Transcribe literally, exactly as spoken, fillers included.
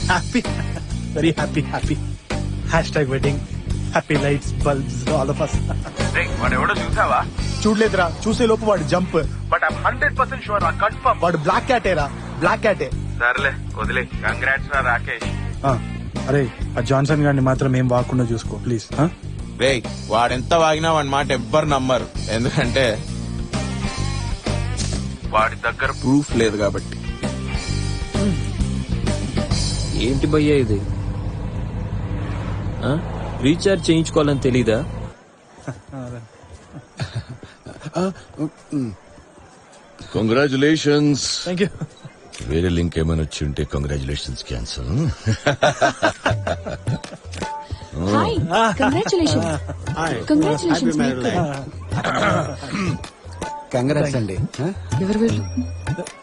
Happy very happy happy hashtag wedding happy lights bulbs all of us. వాడు ఎవడో చూసావా? చూడలేదురా, చూసే లోపు వాడు jump. But I'm hundred percent sure confirm వాడు బ్లాక్ క్యాటేరా, బ్లాక్ క్యాటే. సర్లే వదిలే. కంగ్రాట్స్ రా రాకేష్. అరే ఆ జాన్సన్ గారిని మాత్రం ఏం వాకుండా చూసుకో ప్లీజ్. రే వాడెంత వాగినా వాడి మాట ఎవ్వరు నమ్మరు, ఎందుకంటే వాడి దగ్గర ప్రూఫ్ లేదు కాబట్టి. ఏంటి భయ్యా ఇది? ఆ? రీఛార్జ్ చేయించుకోవాలని తెలీదా? కంగ్రాచులేషన్స్. Thank you. వేరే లింక్ ఏమైనా వచ్చి ఉంటే congratulations cancel. Hi, congratulations. Congratulations. Congrats అండి. ఎవరు వీళ్ళు?